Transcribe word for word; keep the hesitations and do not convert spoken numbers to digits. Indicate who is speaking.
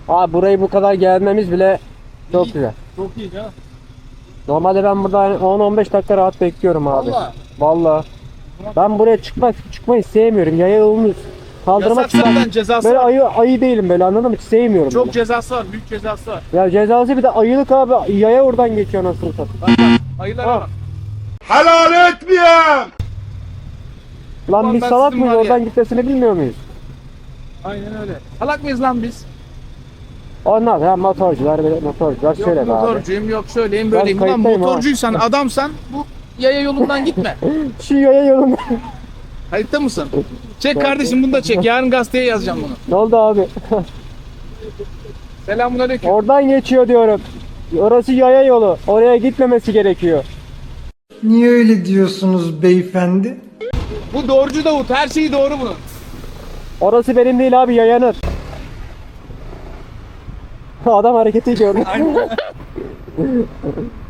Speaker 1: Abi burayı bu kadar gelmemiz bile çok
Speaker 2: İyi.
Speaker 1: güzel.
Speaker 2: Çok iyi ya.
Speaker 1: Normalde ben burada on on beş dakika rahat bekliyorum abi.
Speaker 2: Vallahi.
Speaker 1: Vallahi. Ben buraya çıkmak çıkmayı sevmiyorum. Yaya yolunu kaldırmak
Speaker 2: Yasak zaten, cezası
Speaker 1: Böyle
Speaker 2: var.
Speaker 1: ayı ayı değilim böyle, anladın mı? Hiç sevmiyorum.
Speaker 2: Çok
Speaker 1: bunu.
Speaker 2: cezası var. Büyük cezası var.
Speaker 1: Ya cezası bir de ayılık abi. Yaya oradan geçiyor nasıl satayım.
Speaker 2: Bak bak. Ayılara
Speaker 1: Ha.
Speaker 2: bak.
Speaker 3: Helal etmiyorum.
Speaker 1: Lan
Speaker 2: Ulan
Speaker 1: biz
Speaker 2: ben
Speaker 1: salak
Speaker 2: sizin
Speaker 1: mıyız,
Speaker 2: var ya.
Speaker 1: oradan gitmesini bilmiyor muyuz?
Speaker 2: Aynen öyle. Salak mıyız lan biz?
Speaker 1: Onlar ya motorcular böyle motorcular
Speaker 2: Yok
Speaker 1: şöyle be abi.
Speaker 2: motorcuyum, yok şöyleyim, böyleyim. Ulan
Speaker 1: kayıttayım ha.
Speaker 2: motorcuysan, adamsan bu yaya yolundan gitme.
Speaker 1: Şu yaya yolunda.
Speaker 2: Kayıtta mısın? Çek kardeşim, bunu da çek. Yarın gazeteye yazacağım bunu.
Speaker 1: Ne oldu abi?
Speaker 2: Selamünaleyküm.
Speaker 1: Oradan geçiyor diyorum. Orası yaya yolu. Oraya gitmemesi gerekiyor.
Speaker 4: Niye öyle diyorsunuz beyefendi?
Speaker 2: Bu doğrucu Davut. Her şeyi doğru bunun.
Speaker 1: Orası benim değil abi, yayanın. Adam hareketi gördü.